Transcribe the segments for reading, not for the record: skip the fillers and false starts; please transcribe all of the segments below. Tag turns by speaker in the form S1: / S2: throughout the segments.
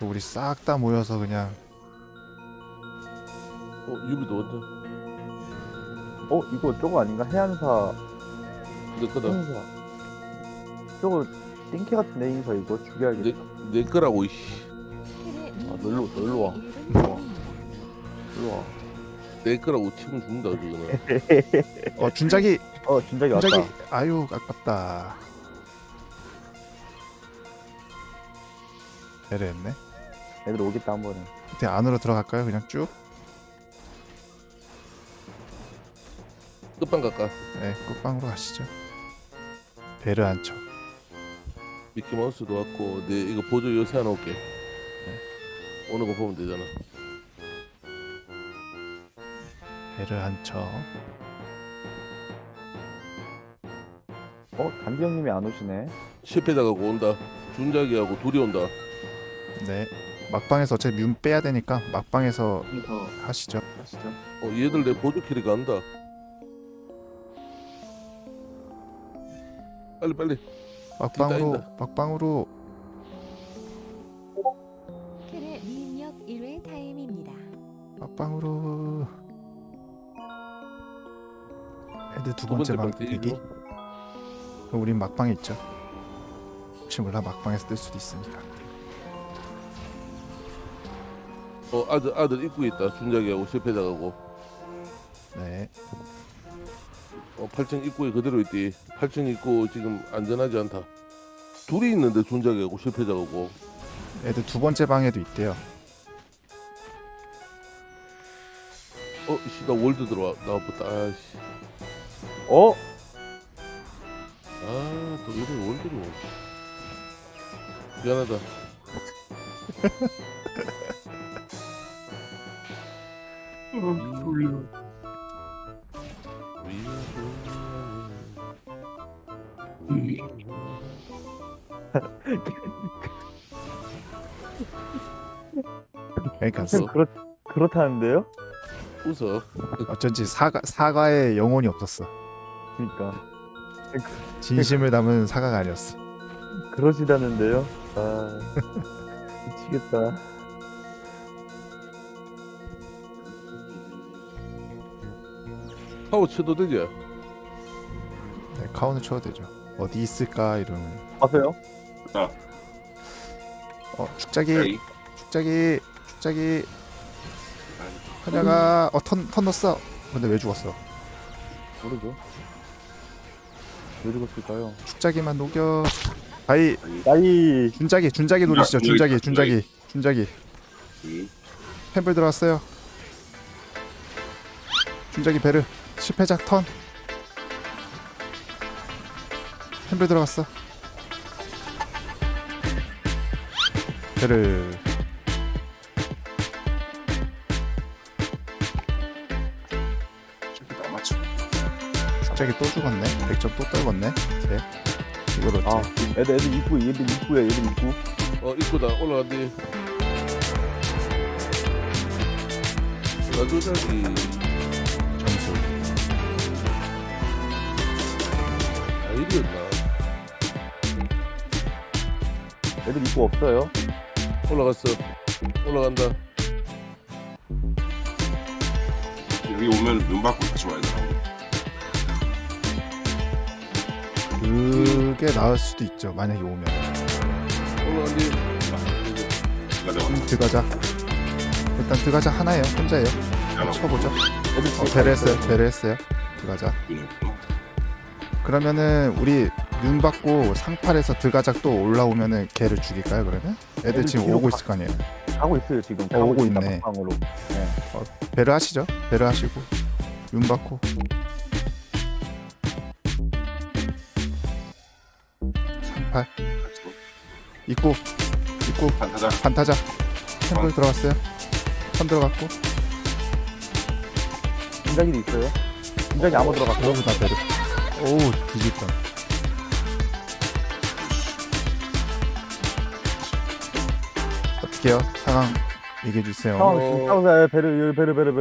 S1: 우리 싹 다 모여서 그냥
S2: 유비도 온다.
S3: 이거 저거 아닌가? 해안사
S2: 내 거다.
S3: 행사. 저거 띵캐 같은 행사 이거 죽여야겠다.
S2: 내 거라고 이씨.
S3: 놀러 와. 일로 와.
S2: 내 거라고 치면 죽는다 저거는.
S1: 준작이
S3: 진작에 왔다.
S1: 준작이 아유 아깝다. 배려했네.
S3: 애들 오겠다 한 번에.
S1: 밑에 안으로 들어갈까요? 그냥 쭉?
S2: 끝방 갈까?
S1: 네, 끝방으로 가시죠. 배를 안 쳐.
S2: 미키마우스도 왔고 내 이거 보조 요새 하나 올게. 오는 거 보면 되잖아.
S1: 배를 안 쳐.
S3: 단지 형님이 안 오시네.
S2: 실패당하고 온다. 준작이하고 둘이 온다.
S1: 네. 막방에서 어차피 뮨 빼야 되니까 막방에서 하시죠.
S2: 얘들 내 보조 키리가 안다. 빨리.
S1: 막방으로
S2: 있다.
S1: 막방으로
S4: 캐의 미입력 1회 타임입니다.
S1: 막방으로. 애들 두
S2: 두
S1: 번째
S2: 번째
S1: 방
S2: 방
S1: 대기.
S2: 대기죠.
S1: 그럼 우린 막방에 있죠. 혹시 몰라 막방에서 뜰 수도 있으니까.
S2: 아들 입구에 있다. 준작이하고 실패당하고.
S1: 네.
S2: 8층 입구에 그대로 있디. 8층 입구 지금 안전하지 않다. 둘이 있는데 준작이하고 실패당하고.
S1: 애들 두 번째 방에도 있대요.
S2: 나 월드 나와봤다. 아씨. 또 이런 월드로. 미안하다.
S1: 그러니까
S2: 선
S3: 그렇다는데요?
S2: 웃어.
S1: 어쩐지 사과에 영혼이 없었어.
S3: 그러니까
S1: 진심을 담은 사과가 아니었어.
S3: 그러시다는데요? 미치겠다.
S2: 파워 쳐도 되지?
S1: 네, 카운을 쳐도 되죠. 어디 있을까 이러면.
S3: 아세요?
S1: 축자기 하냐가 턴 넣었어. 근데 왜 죽었어?
S3: 모르죠. 왜 죽었을까요?
S1: 축자기만 녹여. 아이
S3: 나이
S1: 준자기 노리시죠. 준자기 펜블 들어왔어요. 준자기 베르 10회작 턴. 펜블 들어갔어. 베르 축자기 또 죽었네. 100점 또 떨궜네. 네. 이걸 어째?
S3: 애들 입구에 얘들 입구.
S2: 입구다. 올라간디. 라조작이
S1: 점수.
S2: 아이디였나?
S3: 애들 입구 없어요.
S2: 올라갔어. 올라간다.
S5: 여기 오면 눈 받고 다시 와야 되나?
S1: 그게 나을 수도 있죠. 만약에 오면.
S2: 올라간디.
S1: 들어가자. 일단 들어가자 하나예요. 혼자예요. 쳐보죠.
S3: 애들
S1: 배려했어요. 들어가자. 그러면은 우리 눈 받고 상팔에서 들어가자 또 올라오면은 걔를 죽일까요? 그러면? 애들 지금
S3: 뒤로
S1: 오고 있을 거 아니에요.
S3: 가고 있어요 지금.
S1: 오고
S3: 있다,
S1: 있네.
S3: 방으로.
S1: 배려 하시죠. 배려 하시고 눈 받고. 상팔 입구 반타자 템플 들어갔어요. 선 들어갔고.
S3: 진작이도 있어요. 진작이 아무 들어갔고.
S1: 그러고 나 배려. 오우 뒤집다. 어떻게요? 상황 얘기해 주세요.
S3: 상황 지금 싸우세요. 베르.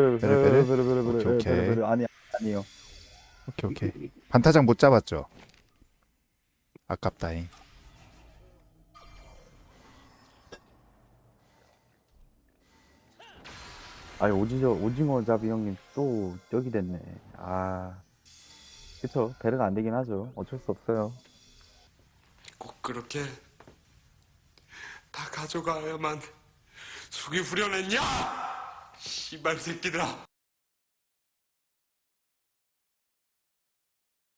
S1: 오케이.
S3: 아니요.
S1: 오케이. 반타작 못 잡았죠? 아깝다잉.
S3: 아니 오징어 잡이 형님 또 여기 됐네. 아 그쵸, 배려가 안 되긴 하죠. 어쩔 수 없어요.
S6: 꼭 그렇게 다 가져가야만 속이 후련했냐? 씨발 새끼들아.